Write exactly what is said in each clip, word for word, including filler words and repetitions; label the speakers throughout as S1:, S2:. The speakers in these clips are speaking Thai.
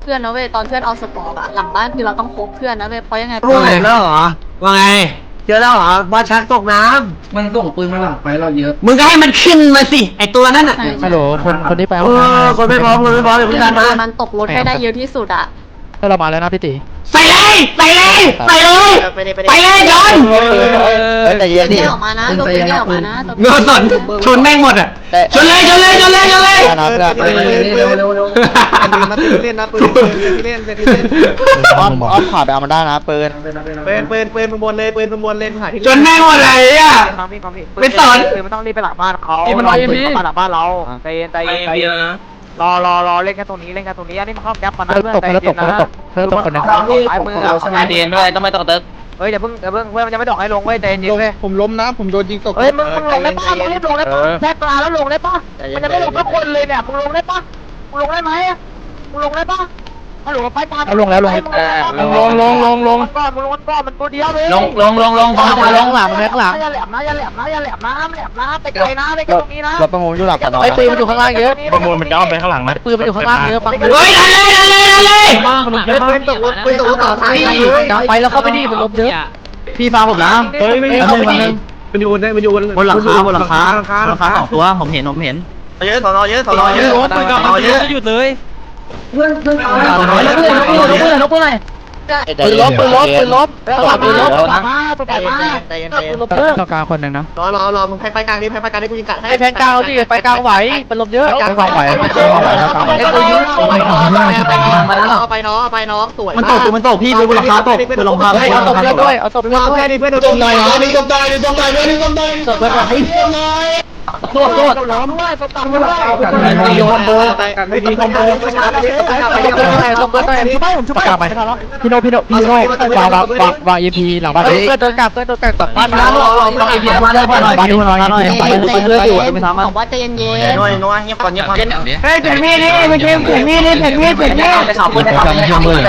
S1: พื่อนนะเว้ยตอนเพื่อนเอาสปอร์ตอะหลังบ้านคือเราต้องพบเพื่อนนะเว้ยเพราะยังไง
S2: ว่าไงแล้วเหรอว่าไงเจอแล้วเหรอบอลชักตกน้ำ
S3: มันส่งปืนมาหลังไปเราเยอะ
S2: มึงก็ให้มันขึ้นมาสิไอตัวนั้นอ่ะ
S4: ฮัลโหลคนคนที่ไป
S2: เออคนไม่พร้อมคนไม่พร้อมเดี๋ยวมึงดันมา
S1: มันตกรถให้ได้เยอะที่สุดอะ
S4: ถ้าเรามาแล้วนะพี่ตี
S2: ใส่เลยใส่เลยใส่เลยไปเลยจอน
S4: แต่เย็น
S1: ไม่
S4: ดิ
S1: ออกมานะตัวไม่ออกมานะตัว
S2: เงาสนชนแม่งหมดอ่ะชนเลยชนเลยชนเลยชนเลย
S4: นะเพื่อน
S3: เร็วเร็วเร็วมาตื่นเล่นนะปืนเล่นเล่นเล่น
S4: อ้อมอ้อมขวาไปเอามาได้นะปืน
S3: ปืนปืนปืนบนเลยปืนบนเลยหาที่
S2: ชนแม่งหมดเลยอ่ะ
S3: ความพี่ความพี่
S2: ไม่สน
S3: ปืนมันต้องรีบไปหลังบ้านเขา
S4: มันรออยู่พี่
S3: หลังบ้านเราใจเย็นใจเย็นใจเย็นรอรอรอเล่นแค่ตรงนี้เล่นแค่ตรงนี้อันนี้มันเข้าแก๊ปมานะ
S4: เพิ่ม
S3: เพื่อน
S4: ตก
S3: ใจ
S4: เพิ่ม
S3: เย็
S4: ตก
S3: น
S4: เพิ่ม
S3: นะ
S4: ตกเพิ่มตกคนนึง
S3: ซ้ายมือเราสมาธิ
S5: ด้วยต้องไม่ต้องเติร์ก
S3: เฮ้ยเดี๋ยวเพิ่งเดี๋ยวเพิ่งเพื่อนมันยังไม่ดอกให้ลงเว้ยใจเย็นเว้ย
S4: ผมล้มนะผมโดนยิงตก
S3: เฮ้ยมึงมึงลงได้ปะมึงรีบลงได้ปะแทกกลาแล้วลงได้ปะมันยังไม่ลงทุกคนเลยเนี่ยมึงลงได้ปะมึงลงได้ไหมมึงลงได้ปะฮัลโหลไปตาม
S4: เอาลงแล้วลงลงลงลงลง
S3: ก้อนมึงลงก้อนมันตัวเดียวเลย
S5: ลงลงลงลง
S4: ลงลงหลังมันข้างหลัง
S3: อย่าแหลมนะอย่าแหลมนะอย่าแหลมนะแหลมนะไปไกลนะไปไกลตรงนี้นะ
S4: รถประมูลอยู่หลังกันไอ้ปืนมันอยู่ข้างล่างเยอะ
S6: ประมูลมันจะเอาไปข้างหลังนะ
S4: ปืนมันอยู่ข้างล่างเยอะปัง
S2: เฮ้ยดันเลยดันเลยดันเลย
S3: ปืนตกรถปืนตกรถต่อท้าย
S4: ไปแล้วเข้าไปดิมันล้มเยอะ
S2: พี่ฟังผมนะ
S6: เฮ้ยไม่
S2: เอ้ย
S6: เอา
S2: เอา
S6: ไป
S2: ไป
S6: ดิ
S2: ดิ
S6: มันอยู่บนมันอยู่บน
S2: บนหลังคาบนหลังคา
S6: หลังคา
S2: หลังคาสองตัวผมเห็นผมเห็น
S3: เยอะสอนอเยอะสอนอเยอะ
S6: รถไปก่อนมันจะหยุดเลย
S4: ปืนลบปืนลบปืนลบปืนลบปืนลบปืนลบ
S3: มาตัวใหญ่มาใจเย็นใจเย็น
S4: ต้องการคนหนึ่งนะ
S3: รอรอรอมึงแพ้ไฟกลางดิแพ้ไฟกลางดิกูยิงกัดให้
S4: ไอ้แพนกาวดิไปกลางไหวเป็นลมเยอะกลางไหวกลางไหวกลางไหว
S3: ไอ้ตัวยิงเอาไปน้องเอาไปน้องสวย
S2: มันตกมันตกพี่บนหลังคาตกบนหลังคา
S4: เฮ้ยเอาศพเพื่อนด้วยเอาศพเพื่อนด้วย
S3: แค่นี้เพื่อน
S2: จมหน่อยนะนี่จมหน่อยนี่จมหน่อยนี่จมหน่อย
S4: ศพเพื่อนให้โทษโทษ
S3: ล้อมด้วยตบตังด้วย
S2: ดีคอมโบกันไม่ดีคอมโบ
S4: ศพเพื่อนด้วยศพเพื่อนด้วยชุบไปผมชุบไปกลางไปพี่โนพี่โนพี่โนวางวางวางวาง อี พี หลังบ้านเพื่อนเดินกลับเพื่อนเดินกลับตัดบ้านนะวาง อี พี มาเลยบ้านบ้านนี้มาหน่อยหน่อยไปไปเพื่อนอยู่ไม่ทำ
S1: บ
S4: อ่ะ
S1: อกว่าใจเย็น
S3: น้อยน้อยเงียบก่อนเงียบก่อน
S5: เล่นอย่างนี้
S2: เฮ้ยเปลี่ยนมีดนี่เมื่อกี้เปลี่ยนมีดนี่เปลี่ยนมีดเปลี่ยนมีด
S3: ไปขับไปขับไปขับเลย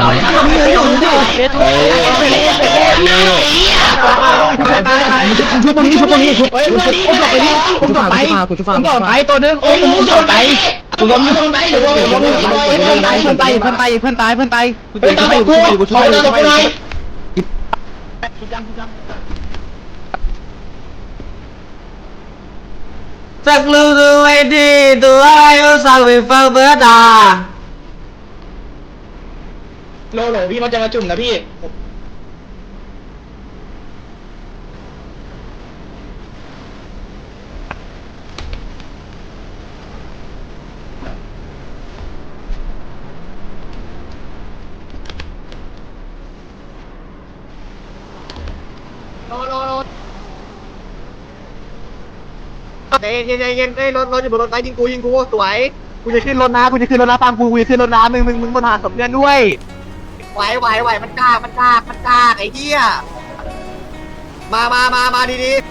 S2: ชุบตรงนี้ชุบตรงนี้ชุบเฮ้ยชุบชุบไปนี่ชุบไปกูชุบไปไปตัวนึงโอ้ยชุบไปกูล้มชุบไปเดี๋ยวล้มเพื่อนตายเพื่อนตายเพื่อนตายเพื่อนตายเพื่อนตายกูชุบไปกูกูชุบไปชุบไปสักลูกดูไว้ดีตัวไอ้สักไปฟังเบิร์ดาโลโหลพี่เขาจะมาจุ่มนะพี่
S3: เย็นเย็นเย็นเอ้ยรถรถอยู่บนรถไฟยิงกูยิงกูสวยกูจะขึ้นรถนะกูจะขึ้นรถนะฟังกูกูจะขึ้นรถนะมึงมึงมึงบนหาสมเด็จด้วยไหวไหวไหวมันกล้ามันกล้ามันกล้าไอ้เหี้ยมามามามาดีดี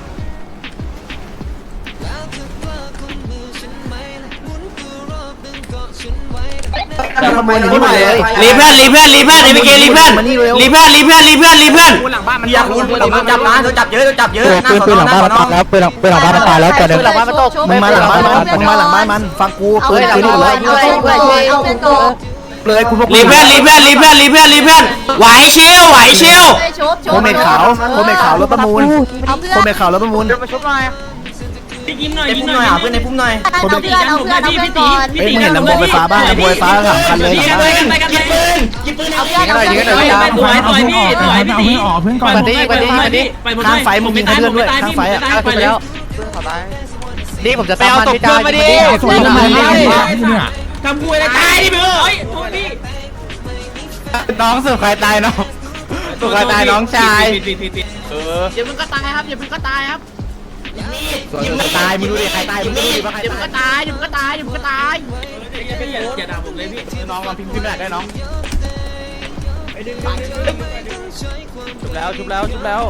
S2: ทำไมหนีมาเลย
S5: รีเพื่อนรีเพื่อนรีเพื่อนเอพีเครีเพื่อนรีเพื่อนรีเพื่อนรีเพื่อนรีเพื่อน
S3: อยากคุณโดนจับนะโดนจับเยอะโดนจับเยอะ
S4: ปืนปืนหลังบ้านมันตายแล้วปืนหลังปืนหลังบ้านมันตายแล้วตัวนึง
S2: มึงมาหลังบ้านมันมึงมาหลังบ้านมันฟังกู
S1: ๆเอา
S2: ปืน
S1: ไป
S2: ปืน
S1: เอา
S2: นี่
S1: ไป
S2: เลย
S1: เอาไปเอาไปเอาไป
S2: เลยกูพวก
S5: รีเพื่อนรีเพื่อนรีเพื่อนรีเพื่อนรีเพื่อนไหวชิวไหวชิว
S1: ชุบชุ
S2: โคเมดขาวโคเมดขาวรถประมูล
S1: เอา
S2: โค
S1: เพื่อน
S2: เมดขาวรถประมูล
S3: เดินมาชุบหน่อย
S5: ยิ้มหน่อย
S3: ไอ้
S5: ยิ้
S3: พุ่
S5: ม
S3: ม
S5: ห
S3: ห
S5: น่
S3: น่
S5: อ
S3: อย ยเพื่อนในพุ่มหน่อย
S1: เอาเพื่อนเอาเพื่อนเอาเพื่อนก่อน
S2: เฮ้ยมึงเห็นลำโพงไฟฟ้าบ้างลำโพงไฟฟ้าสามคันเลยหลังบ้าน
S1: เอาเพื่อนเอาเพื่อนก่อน
S5: สวยสวยพี่สวยพี่ตีออกเพื่อนก่อน
S4: มาดิมาดิมาดิ
S2: ข้างไฟมึงยิงเขาเพื่อนด้วยข้างไฟอ่ะ
S5: ไปแล้ว
S4: นี่ผมจะตามมันพี่จ้า
S2: สวยนะมึง
S5: ทำคุยอะไรตายดิเบอร์เฮ้ยโทษพี่
S4: น้องสุดใครตายน้องสุดใครตายน้องชาย
S1: อย่ามึงก็ตายครับอย่ามึงก็ตายครับ
S2: ตายมึงดูดิใครตายมึงดูดิว่าใคร
S1: อย่ามึง
S2: ตาย
S1: ก็ตายอย่ามึงก็ตายอย่ามึงก็ตาย
S5: อย่าด่าผมเลยพี่
S4: น้องลองพิมพ์พิมพ์ได้ได้น้องชุบแล้วชุบแล้วชุบแล้ว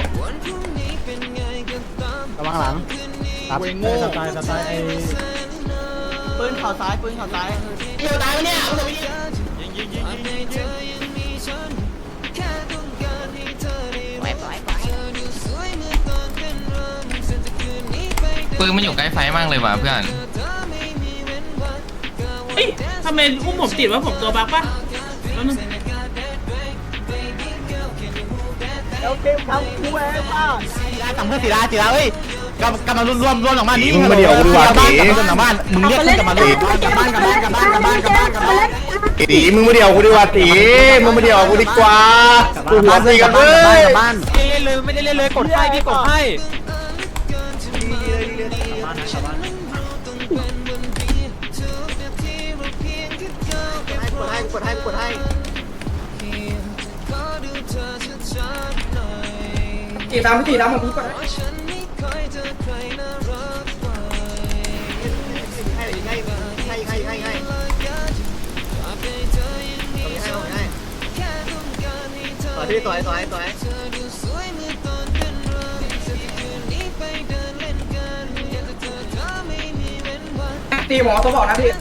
S4: ระวังหลังครับเวงโง่ตายตายไอ้
S3: ปืนเข่าซ้ายปืนเข่าซ้าย
S5: ปืนมันอยู่ใกล้ไฟมากเลยว่ะเพื่อนเฮ้ยทำไมอุ้มผมติดว่าผมตัวบักปะเอ
S2: ทำเพื่อศิลาศิลาเอ้ยกำกำลังรวมรวมรวมหลังบ้านนี้มึงมาเดี๋ยวกูดีกว่าตีหลังบ้านมึงเรียกกลับมาเลยกลับบ้านกลับบ้านกลับบ้านกลับบ้านกลับบ้านกลับบ้านตีมึงมาเดี๋ยวกูดีกว่าตีมึงมาเดี๋ยวกูดีกว่ากูหัวตีกันเลยกลับบ้าน
S4: เล่นเลยไม่ได้เล่นเลยกดให้พี่กดให้
S3: กดให้กดให้
S2: ตีตามพี่ตีตามผมพี่ก่อน
S3: ให้ให้ให้ให้ให้ให้ต่อที่ต่อยต่อยต่อย
S2: ตีหมอตัวบอกนะพี่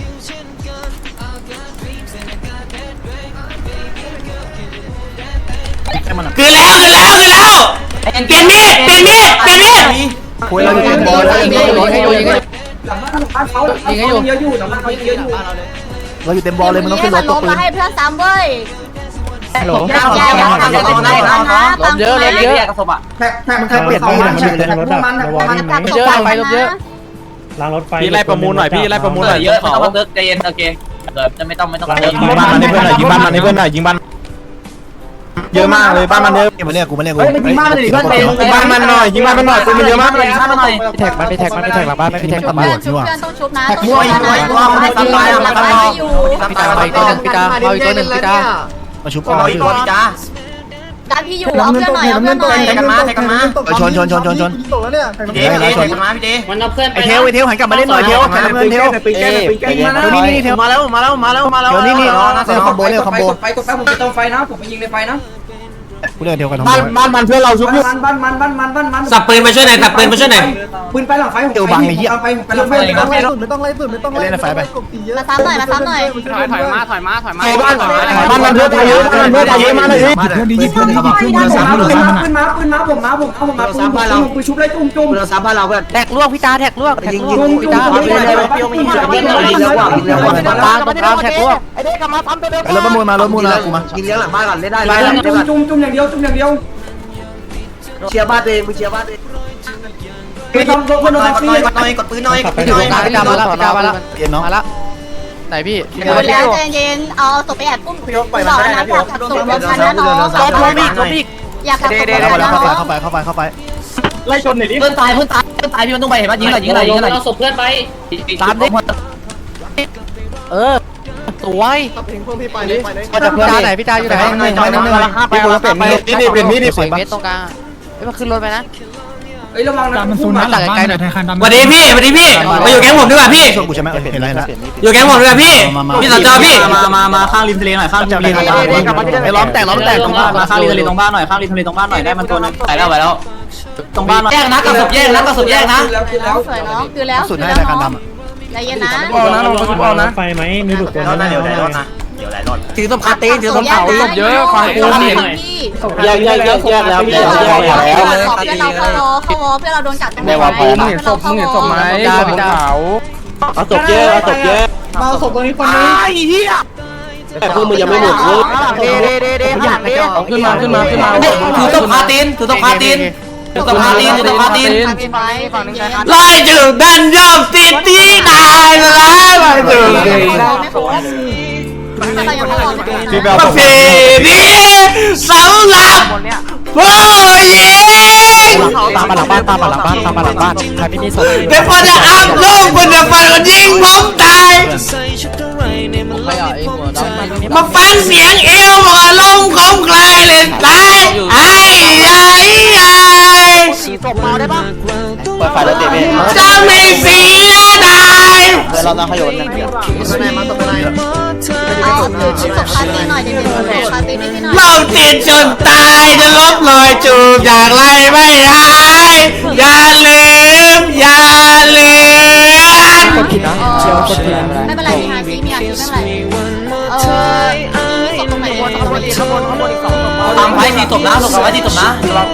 S5: คือแล้วคือแล้วคือแล้วเปลี่ยนมีดเปลี่ยนมีดเปลี่ยนมีด
S2: คุยเราอยู่บอลเราอยู่
S4: ยิงให้อยู่ยิงให้
S2: หลังบ้านเขายิงให้อยู่เยอะอยู่หลังบ้านเขาเยอะอยู่เราอยู่เต็มบอลเลยมันต้องขึ้นรถ
S1: ล
S2: ตัว
S1: ง
S2: ปื
S1: มาน ให้เพื่อนซ้ำเว้ย
S4: ฮัลโหล
S1: แยกแยกทำกันได้นะฟัง
S4: เยอะเลยเยอะ
S2: แท็กแท็กมันแท็กเปลี่ยนมีดมันแท็กพวกมันแท็กพวกมัน
S4: เยอะไปลบเยอะ
S6: ล้างรถไฟ
S4: พี่ไล่ประมูลหน่อยพี่ไล่ประมูลหน่อย
S5: เยอะไม่ต้องมาเติร์กใจเย็นโอเคเกิดจะไม่ต้องไม่ต้องเติร์ก
S6: ยิงบ้านมันให้เพื่อนหน่อยยิงบ้านมันให้เพื่อนหน่อยยิงบ้านเยอะมากเลยบ้านมันเยอะ
S2: มาเนี่ยกูมาเนี่ยกู
S3: เฮ้ยมันยิงมากเลยดิเพื่อน
S6: ยิงบ้านมันหน่อยยิงบ้านมันหน่อยปืนมันเยอะมาก
S5: เลยข้ามมาหน่อย
S4: พี่แท็กมันพี่แท็กมันพี่แท็กหลังบ้านไม่พี่แท็ก
S1: ชุ
S4: ตำ
S1: บ
S4: ร
S1: เพื่
S4: ว
S1: อน
S4: จ
S1: ชุบเพื่อนต้องชุบนะ
S3: แท็กมั่วยิงมั่วมั่วมันทำลายมันทำลาย
S1: อยู่
S4: พี่ตาไปตัวหนึ่งพี่ตาเอาอีกตัวหนึ่งพี่ตา
S2: มาชุบ
S5: เอาอีกคนจ้า
S1: ดันพี่อยู่เอาเพื่อนหน่อยเอาเพื่อนหน่อย
S5: กันมากันมา
S2: ชนชนชนชนชน
S3: ตกแล้วเนี่ย
S5: พี่เดพี่เดกันมาพี่เด
S7: มันเอาเพื่อนไป
S2: ไอเทลไอเทลหันกลับมาเล่นหน่อยเทลหันมาเล่นเทล
S4: เอ้ย
S2: นี่นี่เทล
S5: มาแล้วมาแล้วมาแล้วมาแล้ว
S2: เทลนี่นี่เทลคอมโบเร็วคอมโบ
S8: ไปกดไปผมไปตรงไฟนะผมไปยิงในไฟนะ
S2: กูเล่นเทลกันทั้งหม
S6: บ้าน
S2: ด
S6: บ้านมันเพื่อนเราชุบอยู่
S8: บ้านบ้านบ้านบ้านบ้านบ้านบ้าน
S5: สับปืนมาช่วยหน่อยสับปืนมาช่วยหน่อย
S8: ปืนไปหลังไฟผมไปไปผมไปหลังไฟ
S3: ไม่ต้องไล่สุดไม่ต้องไล่สุดไม่ต้องไล่กบตีเยอะ
S1: มาซ้ำหน่อยมาซ้ำหน่อย
S4: ถอยถอยมาถอยมาถอยมา
S6: บ้านบ้านมันเพื่อนเยอะบ้านมันเพื่อนเยอะมากเลย
S2: เพื่อนดียิงเพื่อนดียิงเพื่อน
S8: ปื
S2: เพื่อน
S8: น
S2: สาม
S8: มา
S2: หรือ
S8: ปืน
S2: สาม
S8: มาปืนมาปืนมาผมมาผมเอาผมมาปืนผมปืนชุบเลยจุ่มจุ่ม
S3: เราซับบ้านเราเพื่อน
S4: แท็กลวกพี่ตาแท็กลวกแท็กลวก
S8: จุ่ม
S4: พี่
S8: จุ่ม
S4: ตา
S8: จุ่มเลยเลยเปรี้ยวไม่ยิงเลยยิงเลยยิงแล้วว่ะยิงแล้วว่ะ
S4: ตรงกลางตรงกลางแท็กลวก
S2: ไอ้รถประมูลมารถประมูลมากูมา
S3: กินเลี้ยงหลังบ้านก่อนเล่นได้
S8: จุ่มจุ่มจุ่มอย่างเดียวจุ่มอย่างเดียว
S3: เชียร์บ้านเองมึงเชียร์บ้านเอง
S8: ไปทำคนโดนฟรี
S5: กดหน่อยกดปืนหน่อย
S4: พี่ตรงกลางพี่ตามาแล้วพี่ตามาแล้ว
S2: เปลี่ยนน้อง
S4: มาแล้วไหนพี่
S1: เดี๋ยวแล้วใจเย็นเอาศพไปแอบปุ้มต่อนะอยากขับศพรถคันนะน้อง
S4: ลบลบอีกลบอีก
S1: อยากขับศพรถ
S2: เข้า
S1: คัน
S2: ไป
S1: นะน้อง
S2: เข้าไปเข้าไปเข้าไป
S6: ไล่ชนหน่อยดิ
S5: เพื่อนตายเพื่อนตายเพื่อนตายพี่มันต้องไปเห็นป่ะยิงหน่อยยิงหน่อยยิงหน่อย
S7: เอาศพเพื่อนไป
S4: ตามดิเออสวย
S3: ขับถึงพวกพี่ไปเลยไปเลย
S2: ก็จะเพื่
S4: พี่
S2: อน
S4: ตาไหนพี่ตาอยู่ไหน
S2: หนึ่งหนึ่งหนึ่งหนึ่งพี่กูเปลี่ยนมีดนี่เปลี่ยนมีดนี่
S4: สวยเมตรตรงกลางเอ้ยมาขึ้นรถไปนะ
S8: เอ้ยระวังนะ
S4: มันซูนนะหลังไกลหน่อย
S5: สวัสดีพี่สวัสดีพี่มาอยู่แก๊งผมดีกว่าพี่
S2: ชมกูใช่ไหมเห็นอะไรแล้ว
S5: อยู่แก๊งผมดีกว่าพี่พี่สจพี่
S9: มามามาข้างริมทะเลหน่อยข้างริมทะเลหน่อย
S2: ไอ้ล้อมแตกล้อมแตกตรงบ้าน
S9: มาข้างริมทะเลตรงบ้านหน่อยข้างริมทะเลตรงบ้านหน่อยได้มันตัวนึง
S5: ไปแล้วไปแล้ว
S9: ตรงบ้านหน่อย
S5: แยกนะกับศพแยกนะกับศพแยกนะ
S8: แล้วคือแล้ว
S1: สวยน้องคือแล้ว
S2: สุด
S1: คือ
S2: ให้
S1: แล้ว
S2: รายการ
S1: น้อง
S2: ดำอ่ะ
S1: ใจเย็นนะ
S6: เอานะเราชุบเอานะไฟไหมมีดุตัวนั้น
S5: เดี๋ยวไหนรถนะเดี๋ยวไหนรถ
S2: ถือศพคาตีนถือศพเผา
S1: ศพเยอะฟังกูนี่
S6: แยกแยกแยกแยกแล้วแยกแยกแล้ว
S1: เพื่อนเราเข้าวอเข้าวอเพื่อนเราโดนกัดกัน
S4: ได้ว่าพอมึงเห็นศพมึงเห็นศพไหมพี่ตาพี่ตา
S6: เอาศพแยกเอาศพแยก
S3: มาศพตรงนี้คนนี้
S6: แต่พวกมึงยังไม่หมดเลย
S3: เด้เด้เด้เด้อยากเด้
S4: ขึ้นมาขึ้นมาขึ้นมา
S5: ถือศพคาตีนถือศพคาตีนถือศพคาตีนถือศพคาตีน
S1: ฝั่งนึงใช้คัน
S5: ไล่จุดดันยอมติดที่ตายมาแล้วไล่จุด
S1: ไม่ครบไม่ครบยังไม่ครบ
S6: พี่แบล
S5: ประเพณีสำหรับผู้หญิง
S4: ตามมาหลังบ้านตามมาหลังบ้านตามมาหลังบ้านใครไม่มีศพ
S5: เป็นคนจะอัพลูกคนจะฟันคนยิงผมตาย
S4: ไม่เอาไอ้หัวดำ
S5: มาฟังเสียงเอวบอกอารมณ์ของใครเลยตายไอ้ไอ้ไอ้
S2: ศพเมาได้ปะเปิดไฟแล้วเตะเบ้
S5: จะไม่เสียดาย
S2: เดี๋ยวเราต้องขยนนั่นเดียว
S3: ไหนมาตรงไหน
S1: เอาคือชุดศพคาตีหน่อยเดี๋ยวเดี๋ยวคาตีนี่พี่หน่อย
S5: เราติดจนตายจะลบรอยจูบอย่างไรไม่หายอย่าลืมอย่าลืม
S4: กดผิดนะเชียวกดผิด
S1: ไม่เป็นไรมีฮาซีมีอาชีพไม่เป็นไรเออมีศพตรงไหนวนข้างบนข้างบนข้างบนอีกสองศพ
S5: ตามไว้ที่ตบนะตบไว้ที่ตบนะ
S1: ก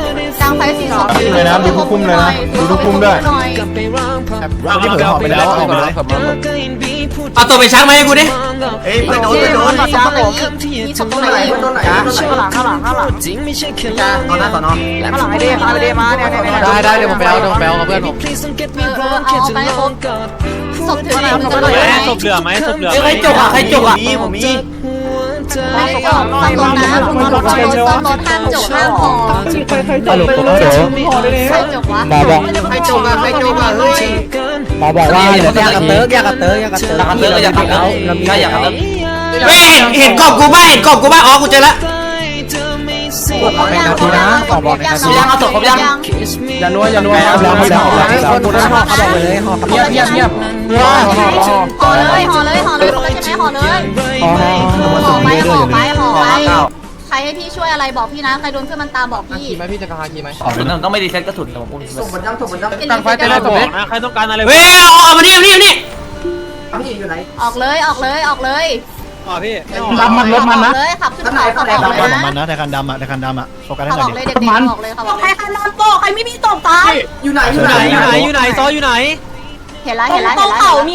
S1: กลางไฟสี่ศพ
S6: เลยนะดูทุกคุมเลยนะดูทุกคุมด้วย
S5: เอาที่เผยหอบไปแล้วเอาไปเลย
S6: เอาตัวไปชักมาให้กูดิ
S3: เฮ้ยไปโดนไปโดน
S1: มีศพตรงไหนมีศพตรงไหน
S3: โดนไหนข้างหลังข้างหลังข้างหลังจ้าตอนหน้าสอนอข้างหลังไอเดียไอเดียมาเนี่ยเนี่ย
S4: ได้ได้เดี๋ยวผมไปเอาเดี๋ยวผมไปเอากับเพื่อนผม
S1: เออเอาไปครบศพถือไหนมึงจะรวยไหม
S5: ศพเหลือไหมศพเหลือ
S6: ใครจกอ่ะใครจกอ่ะ
S3: มีผมมี
S1: ไม่ได้จบซ่อมรถนะซ่อมรถซ่อมรถซ่อมรถห้ามจบห้ามพอ
S2: สรุปผมเดี๋ยว
S1: ใครจบวะ
S2: หมอบอก
S3: ใครจบอ่ะใครจบอ่ะเฮ้ย
S2: หมอบอกว่าเหลือ
S9: อยาก
S2: แค่
S9: กระ
S2: เติ
S9: เติ
S2: ร์
S9: ร์
S2: ก
S9: กอยากกระเติร์กอยากกระเติร์กอยากกระเติร์กอยากกระเติร์กแล้วก็อยากกระเติร์ก
S5: เฮ้ยเห็นเห็นกบกูบ้าเห็นกบกูบ้าอ๋อกูเจอละ
S2: เป็นนาทีนะหมอบอกในนาที
S9: ยังเอาศพครบยัง
S2: อย่านัวอย่านัวครับแล้วครับแล้วคนคนนั้นเขาบอกเลยเงียบเงียบเงียบห่อห่อห่อ
S1: ห่อเลยห่อเลยห่อเลยใช่ไหมห่อเลย
S2: ห่อ
S1: ห่อไปห่อไปห่อไปใครให้พี่ช่วยอะไรบอกพี่นะใครโดนเพื่อนมันตามบอกพี่
S2: ขี่ไหมพี่จะพาขี่ไหม
S9: ต้องไม่ดีเซ็ตกระสุนแต่ผมพูด
S3: ส่งผลยังส่งผลยัง
S2: ตั้งไฟแต่ละศพ
S5: นะใครต้องการอะไรเฮ้ยเอาเอามานี่เอามานี่เอามานี่
S3: พี่อยู่ไหน
S1: ออกเลยออกเลยออกเลย
S5: อ๋อพี่
S2: ดำมันรถมันนะ
S1: เลยขับขึ้นเขาขับออกเลยนะ
S6: มันนะแต่คันดำอ่ะแต่คันดำอ่ะโฟกัสให้
S1: ขับ
S6: ห
S1: อ
S6: น่อ
S1: อย ก
S6: ดิ
S1: เลยเด็กๆออกเลยขับออกเลย
S8: ใครนอนโตใครไม่มีตบตาย
S3: อยู่ไหนอ
S5: อยู่
S3: ยู่
S5: ไห
S3: ไห
S5: น
S3: น
S5: อยู่ไหนอยู่ไหนซออยู่ไหน
S1: เห็นแล้วเห็นแล้วเห็นแล้ว